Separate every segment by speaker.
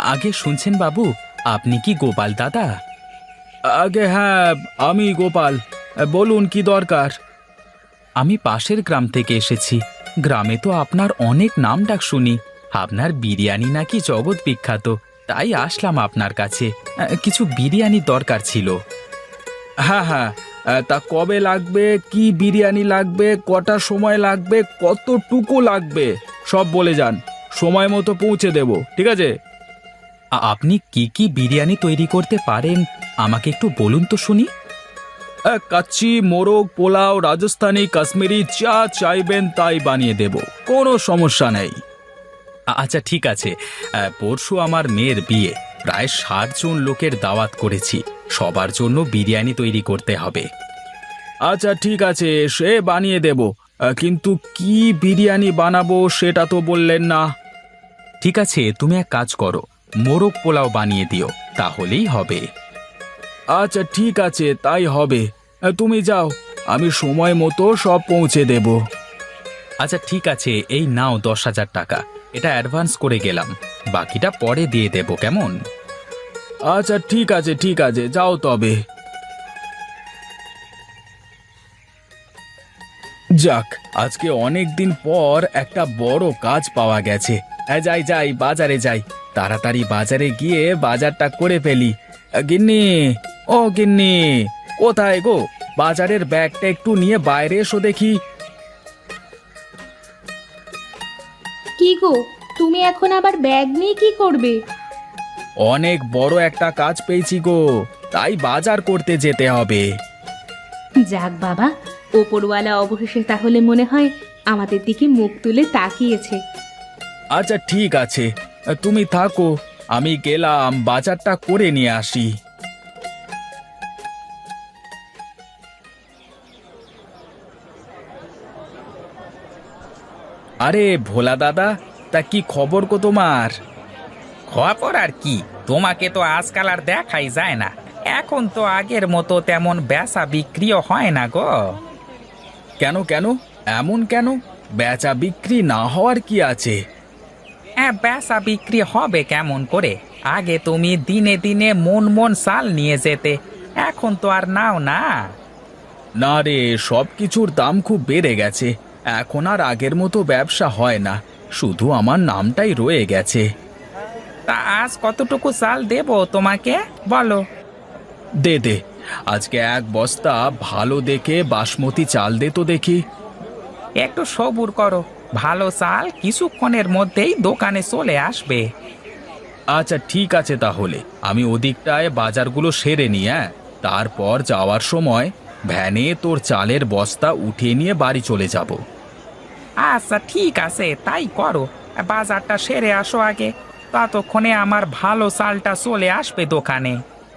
Speaker 1: আগে শুনছেন বাবু, আপনি কি গোপাল দাদা?
Speaker 2: আগে হ্যাঁ, আমি গোপাল। বলুন কি দরকার।
Speaker 1: আমি পাশের গ্রাম থেকে এসেছি। গ্রামে তো আপনার অনেক নাম ডাক শুনি। আপনার বিরিয়ানি নাকি জগৎ বিখ্যাত, তাই আসলাম আপনার কাছে। কিছু বিরিয়ানির দরকার ছিল।
Speaker 2: হ্যাঁ হ্যাঁ, তা কবে লাগবে, কি বিরিয়ানি লাগবে, কটা সময় লাগবে, কতটুকু লাগবে সব বলে যান। সময় মতো পৌঁছে দেব, ঠিক আছে?
Speaker 1: আপনি কি কি বিরিয়ানি তৈরি করতে পারেন আমাকে একটু বলুন তো শুনি।
Speaker 2: কাচ্চি, মোরগ, পোলাও, রাজস্থানি, কাশ্মীরি, যা চাইবেন তাই বানিয়ে দেব, কোনো সমস্যা নেই।
Speaker 1: আচ্ছা ঠিক আছে। পরশু আমার মেয়ের বিয়ে, প্রায় 60 জন লোকের দাওয়াত করেছি। সবার জন্য বিরিয়ানি তৈরি করতে হবে।
Speaker 2: আচ্ছা ঠিক আছে, সে বানিয়ে দেব, কিন্তু কি বিরিয়ানি বানাবো সেটা তো বললেন না।
Speaker 1: ঠিক আছে, তুমি এক কাজ করো, মোরগ পোলাও বানিয়ে দিও, তাহলেই হবে।
Speaker 2: আচ্ছা ঠিক আছে, তাই হবে। তুমি যাও, আমি সময় মতো সব পৌঁছে দেব।
Speaker 1: আচ্ছা ঠিক আছে, এই নাও 10,000 টাকা। এটা অ্যাডভান্স করে গেলাম, বাকিটা পরে দিয়ে দেব, কেমন?
Speaker 2: আচ্ছা ঠিক আছে, ঠিক আছে, যাও তবে। যাক, আজকে অনেক দিন পর একটা বড় কাজ পাওয়া গেছে। যাই যাই, বাজারে যাই, তাড়াতাড়ি বাজারে গিয়ে বাজারটা করে ফেলি। গিন্নি, ও গিন্নি, কোথায় গো? বাজারের ব্যাগটা একটু নিয়ে বাইরে এসো দেখি।
Speaker 3: কি গো, তুমি এখন আবার ব্যাগ নিয়ে কি করবে?
Speaker 2: অনেক বড় একটা কাজ পেয়েছি গো, তাই বাজার করতে যেতে হবে।
Speaker 3: যাক বাবা, ওপরওয়ালা অবশেষে তাহলে মনে হয় আমাদের দিকে মুখ তুলে তাকিয়েছে।
Speaker 2: আচ্ছা ঠিক আছে, তুমি থাকো, আমি গেলাম বাজারটা করে নিয়ে আসি। আরে ভোলা দাদা, তা কি খবর গো তোমার?
Speaker 4: খবর আর কি, তোমাকে তো আজকাল আর দেখাই যায় না। এখন তো আগের মতো তেমন বেচা বিক্রিও হয় না গো।
Speaker 2: কেন কেন, এমন কেন? বেচা বিক্রি না হওয়ার কি আছে?
Speaker 4: হ্যাঁ, বেচা বিক্রি হবে কেমন করে? আগে তুমি দিনে দিনে মন মন চাল নিয়ে যেতে, এখন তো আর নাও না।
Speaker 2: না রে, সব কিছুর দাম খুব বেড়ে গেছে, এখন আর আগের মতো ব্যবসা হয় না, শুধু আমার নামটাই রয়ে গেছে।
Speaker 4: তা আজ কতটুকু চাল দেব তোমাকে, বলো?
Speaker 2: দে দে, আজকে এক বস্তা ভালো দেখে বাসমতি চাল দে তো দেখি।
Speaker 4: একটু সবুর করো, ভালো চাল কিছুক্ষণের মধ্যেই দোকানে চলে আসবে।
Speaker 2: আচ্ছা ঠিক আছে, তাহলে আমি ওদিকটায় বাজারগুলো সেরে নিই, তারপর যাওয়ার সময় ভ্যানে তোর চালের বস্তা উঠিয়ে নিয়ে বাড়ি চলে যাব।
Speaker 4: আচ্ছা ঠিক আছে, তাই করো। বাজারটা সেরে আসো আগে, ততক্ষণে আমার ভালো চালটা চলে আসবে দোকানে।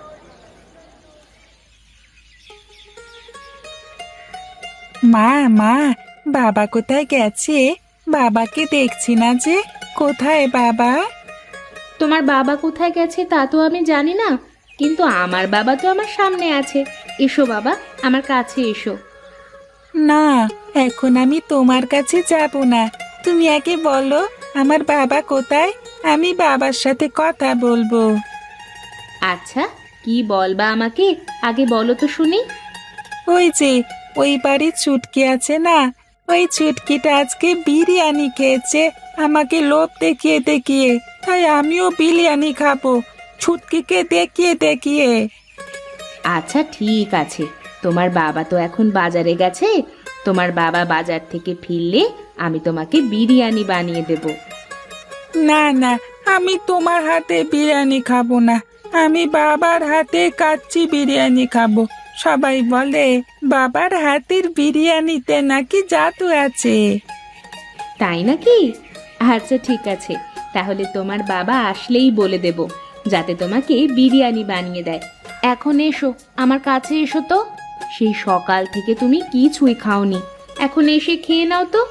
Speaker 5: মা মা, বাবা কোথায় গেছে? বাবাকে দেখছি না যে, কোথায় বাবা?
Speaker 3: তোমার বাবা কোথায় গেছে তা তো আমি জানি না, কিন্তু আমার বাবা তো আমার সামনে আছে। এসো বাবা, আমার কাছে এসো।
Speaker 5: না, এখন আমি তোমার কাছে যাব না। তুমি আগে বলো আমার বাবা কোথায়, আমি বাবার সাথে কথা বলবো।
Speaker 3: আচ্ছা, কি বলবা আমাকে, আগে বলো তো শুনি।
Speaker 5: ওই যে ওই বাড়ির ছুটকি আছে না, ওই ছুটকিটা আজকে বিরিয়ানি খেয়েছে আমাকে লোভ দেখিয়ে দেখিয়ে, তাই আমিও বিরিয়ানি খাবো ছুটকিকে দেখিয়ে দেখিয়ে।
Speaker 3: আচ্ছা ঠিক আছে, তোমার বাবা তো এখন বাজারে গেছে, তোমার বাবা বাজার থেকে ফিরলে আমি তোমাকে বিরিয়ানি বানিয়ে দেব।
Speaker 5: না না, আমি তোমার হাতে বিরিয়ানি খাবো না, আমি বাবার হাতে কাচ্চি বিরিয়ানি খাবো। সবাই বলে বাবার হাতের বিরিয়ানিতে নাকি জাদু আছে।
Speaker 3: তাই নাকি? আচ্ছা ঠিক আছে, তাহলে তোমার বাবা আসলেই বলে দেব, যাতে তোমাকে বিরিয়ানি বানিয়ে দেয়। এখন এসো, আমার কাছে এসো তো। সেই সকাল থেকে তুমি কিছুই খাওনি, এখন এসে খেয়ে নাও তো।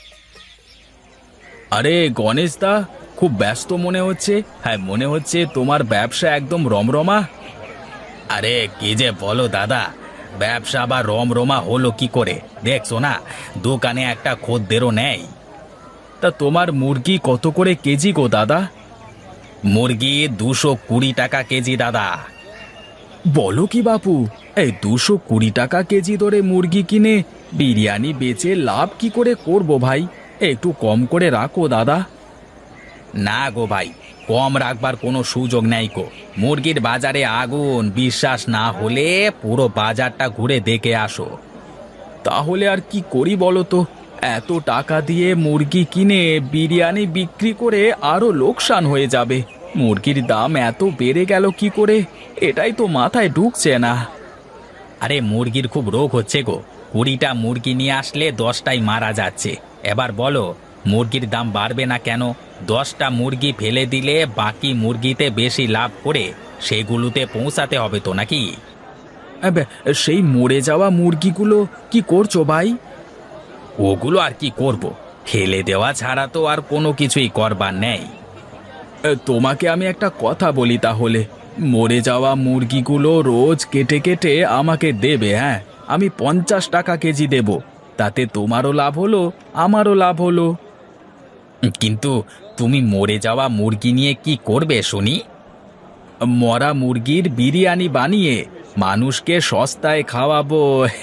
Speaker 2: আরে গণেশ দা, খুব ব্যস্ত মনে হচ্ছে। হ্যাঁ, মনে হচ্ছে তোমার ব্যবসা একদম রমরমা।
Speaker 4: আরে কি যে বলো দাদা, ব্যবসা আবার রমরমা হলো কি করে? দেখছো না, দোকানে একটা খদ্দেরও নেই।
Speaker 2: তা তোমার মুরগি কত করে কেজি গো দাদা? মুরগি 220 টাকা কেজি দাদা। বলো কি বাপু, এই 220 টাকা কেজি দরে মুরগি কিনে বিরিয়ানি বেচে লাভ কি করে করব ভাই? একটু কম করে রাখো দাদা। না গো ভাই, কম রাখবার কোনো সুযোগ নেই গো। মুরগির বাজারে আগুন, বিশ্বাস না হলে পুরো বাজারটা ঘুরে দেখে আসো। তাহলে আর কি করি বলো তো? এত টাকা দিয়ে মুরগি কিনে বিরিয়ানি বিক্রি করে আরো লোকসান হয়ে যাবে। মুরগির দাম এত বেড়ে গেল কি করে, এটাই তো মাথায় ঢুকছে না। আরে মুরগির খুব রোগ হচ্ছে গো। 20টা মুরগি নিয়ে আসলে 10টাই মারা যাচ্ছে। এবার বলো, মুরগির দাম বাড়বে না কেন? 10টা মুরগি ফেলে দিলে বাকি মুরগিতে বেশি লাভ করে সেগুলোতে পৌঁছাতে হবে তো নাকি? সেই মরে যাওয়া মুরগিগুলো কি করছো ভাই? ওগুলো আর কি করব, ফেলে দেওয়া ছাড়া তো আর কোনো কিছুই করবার নেই। তোমাকে আমি একটা কথা বলি তাহলে, মরে যাওয়া মুরগিগুলো রোজ কেটে কেটে আমাকে দেবে। হ্যাঁ, আমি 50 টাকা কেজি দেব, তাতে তোমারও লাভ হলো, আমারও লাভ হলো। কিন্তু তুমি মরে যাওয়া মুরগি নিয়ে কি করবে শুনি? মরা মুরগির বিরিয়ানি বানিয়ে মানুষকে সস্তায় খাওয়াবো।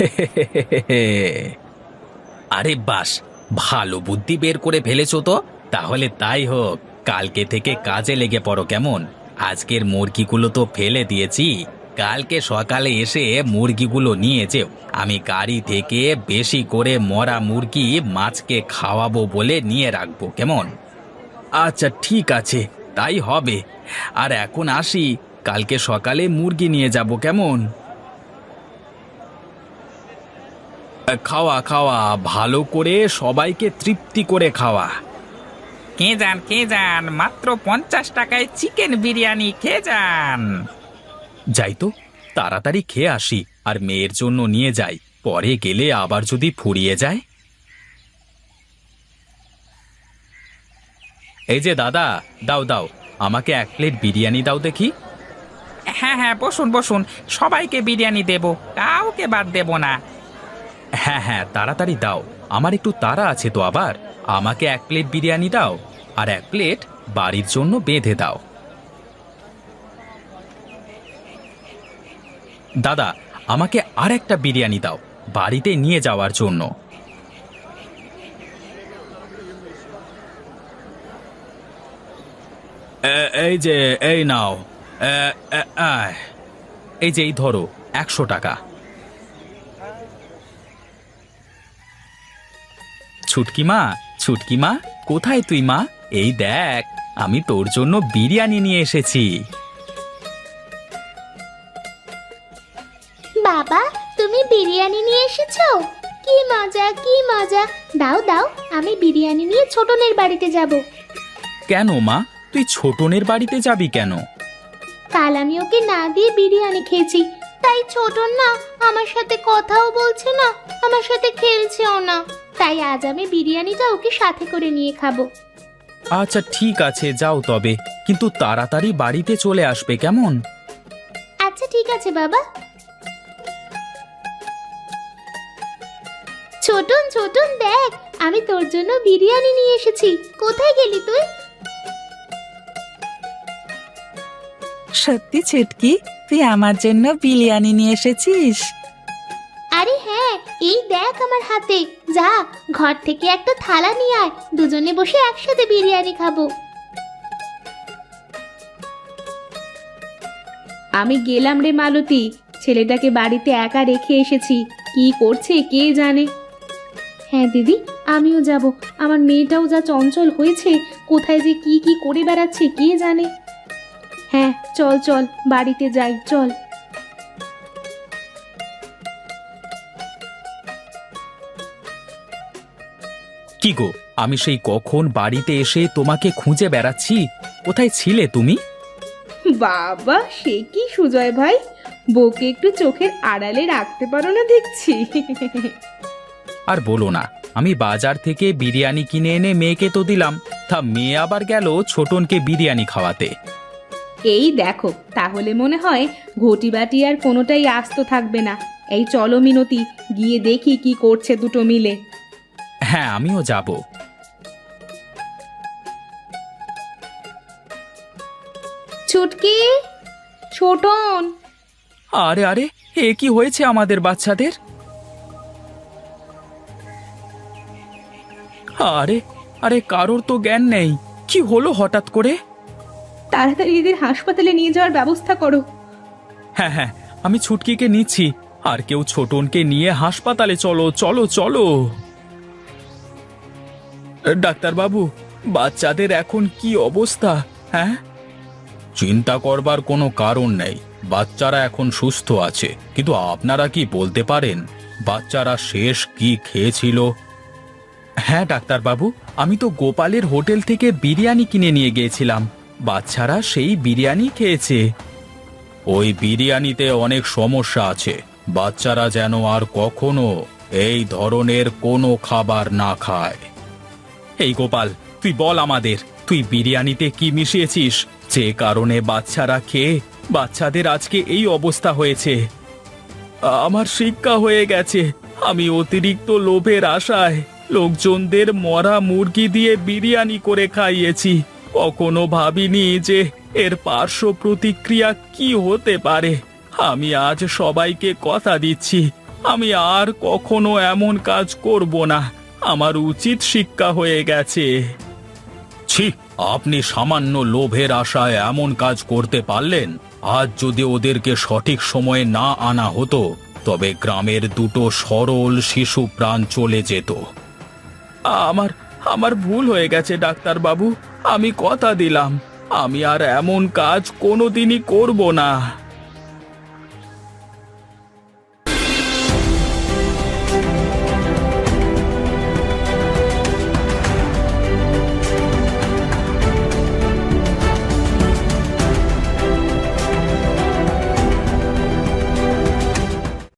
Speaker 2: আরে বাস, ভালো বুদ্ধি বের করে ফেলেছো তো। তাহলে তাই হোক, কালকে থেকে কাজে লেগে পড়ো কেমন? আজকের মুরগিগুলো তো ফেলে দিয়েছি, কালকে সকালে এসে মুরগিগুলো নিয়ে যেও। আমি গাড়ি থেকে বেশি করে মরা মুরগি মাছকে খাওয়াবো বলে নিয়ে রাখবো, কেমন? আচ্ছা ঠিক আছে, তাই হবে। আর এখন আসি, কালকে সকালে মুরগি নিয়ে যাব, কেমন? খাওয়া খাওয়া, ভালো করে সবাইকে তৃপ্তি করে খাওয়া।
Speaker 4: কে যান, মাত্র 50 টাকায় চিকেন বিরিয়ানি খেয়ে যান।
Speaker 2: যাই তো, তাড়াতাড়ি খেয়ে আসি আর মেয়ের জন্য নিয়ে যাই, পরে গেলে আবার যদি ফুরিয়ে যায়। এই যে দাদা, দাও দাও, আমাকে 1 প্লেট বিরিয়ানি দাও দেখি।
Speaker 4: হ্যাঁ হ্যাঁ, বসুন বসুন, সবাইকে বিরিয়ানি দেব, কাউকে বাদ দেব না।
Speaker 2: হ্যাঁ হ্যাঁ, তাড়াতাড়ি দাও, আমার একটু তাড়া আছে তো। আবার আমাকে 1 প্লেট বিরিয়ানি দাও আর 1 প্লেট বাড়ির জন্য বেঁধে দাও। দাদা, আমাকে আর একটা বিরিয়ানি দাও, বাড়িতে নিয়ে যাওয়ার জন্য। এই যে, এই নাও। এই যে, এই ধরো 100 টাকা। ছুটকি মা, কোথায় তুই মা? এই দেখ, আমি তোর জন্য বিরিয়ানি নিয়ে এসেছি।
Speaker 6: বাবা, তুমি বিরিয়ানি নিয়ে এসেছো? কি মজা, কি মজা! দাও দাও, আমি বিরিয়ানি নিয়ে ছোটনের বাড়িতে যাব।
Speaker 2: কেন মা, তুই ছোটনের বাড়িতে যাবি কেন?
Speaker 6: কাল আমি ওকে না দিয়ে বিরিয়ানি খেয়েছি, তাই ছোটন না আমার সাথে কথাও বলছে না, আমার সাথে খেলছেও না। তাই আজ আমি বিরিয়ানিটা ওকে সাথে করে নিয়ে খাবো।
Speaker 2: আচ্ছা ঠিক আছে, যাও তবে, কিন্তু তাড়াতাড়ি বাড়িতে চলে আসবে, কেমন?
Speaker 6: আচ্ছা ঠিক আছে বাবা। ছোটন ছোটন, দেখ, আমি তোর জন্য বিরিয়ানি নিয়ে এসেছি। কোথায় গেলি তুই?
Speaker 5: সত্যি ছুটকি, তুই আমার জন্য বিরিয়ানি নিয়ে এসেছিস?
Speaker 6: আরে হ্যাঁ, এই দেখ আমার হাতে। যা, ঘর থেকে একটা থালা নিয়ে আয়, দুজনে বসে একসাথে বিরিয়ানি খাবো।
Speaker 3: আমি গেলাম রে মালতী, ছেলেটাকে বাড়িতে একা রেখে এসেছি, কি করছে কে জানে। হ্যাঁ দিদি, আমিও যাব। আমার মেয়েটাও যা চঞ্চল হয়েছে, কোথায় যে কি কি করে বেড়াচ্ছে কে জানে। হ্যাঁ চল চল, বাড়িতে যাই, চল।
Speaker 2: কি গো, আমি সেই কখন বাড়িতে এসে তোমাকে খুঁজে বেড়াচ্ছি, কোথায় ছিলে তুমি?
Speaker 3: বাবা, সে কি সুজয় ভাই, বউকে একটু চোখের আড়ালে রাখতে পারো না দেখছি।
Speaker 2: আর বলো না, আমি বাজার থেকে বিরিয়ানি কিনে এনে মেয়েকে তো দিলাম, তা মেয়ে আবার গেল ছোটনকে বিরিয়ানি খাওয়াতে।
Speaker 3: এই দেখো, তাহলে মনে হয় ঘটি বাটি আর কোনোটাই আস্ত থাকবে না। এই চলো মিনতি, গিয়ে দেখি কি করছে দুটো মিলে।
Speaker 2: হ্যাঁ, আমিও যাব।
Speaker 3: ছুটকি, ছোটন।
Speaker 1: আরে আরে, এ কি হয়েছে আমাদের বাচ্চাদের? আরে আরে, কারোর তো জ্ঞান নেই। কি হলো হঠাৎ করে?
Speaker 3: তাড়াতাড়ি এদের হাসপাতালে নিয়ে যাওয়ার ব্যবস্থা করো।
Speaker 1: হ্যাঁ হ্যাঁ, আমি ছুটকিকে নিচ্ছি। আর কেউ ছোটনকে নিয়ে হাসপাতালে চলো চলো চলো। ডাক্তারবাবু, বাচ্চাদের এখন কি অবস্থা? হ্যাঁ, চিন্তা করবার কোনো কারণ নেই। বাচ্চারা এখন সুস্থ আছে, কিন্তু আপনারা কি বলতে পারেন বাচ্চারা শেষ কি খেয়েছিল? হ্যাঁ ডাক্তারবাবু, আমি তো গোপালের হোটেল থেকে বিরিয়ানি কিনে নিয়ে গিয়েছিলাম। বাচ্চারা সেই বিরিয়ানি খেয়েছে। ওই বিরিয়ানিতে অনেক সমস্যা আছে। বাচ্চারা যেন আর কখনো এই ধরনের কোনো খাবার না খায়। এই গোপাল, তুই বল আমাদের, তুই বিরিয়ানিতে কি মিশিয়েছিস যে কারণে বাচ্চারা খেয়ে বাচ্চাদের আজকে এই অবস্থা হয়েছে? আমার শিক্ষা হয়ে গেছে। আমি অতিরিক্ত লোভের আশায় লোকজনদের মরা মুরগি দিয়ে বিরিয়ানি করে খাইয়েছি। কখনো ভাবিনি যে এর পার্শ্ব প্রতিক্রিয়া কি হতে পারে। আমি আজ সবাইকে কথা দিচ্ছি, আমি আর কখনো এমন কাজ করব না। আমার উচিত শিক্ষা হয়ে গেছে। ছি, আপনি সামান্য লোভের আশায় এমন কাজ করতে পারলেন? আজ যদি ওদেরকে সঠিক সময়ে না আনা হতো, তবে গ্রামের দুটো সরল শিশু প্রাণ চলে যেত। আমার ভুল হয়ে গেছে ডাক্তারবাবু। আমি কথা দিলাম, আমি আর এমন কাজ কোনোদিনই করব না।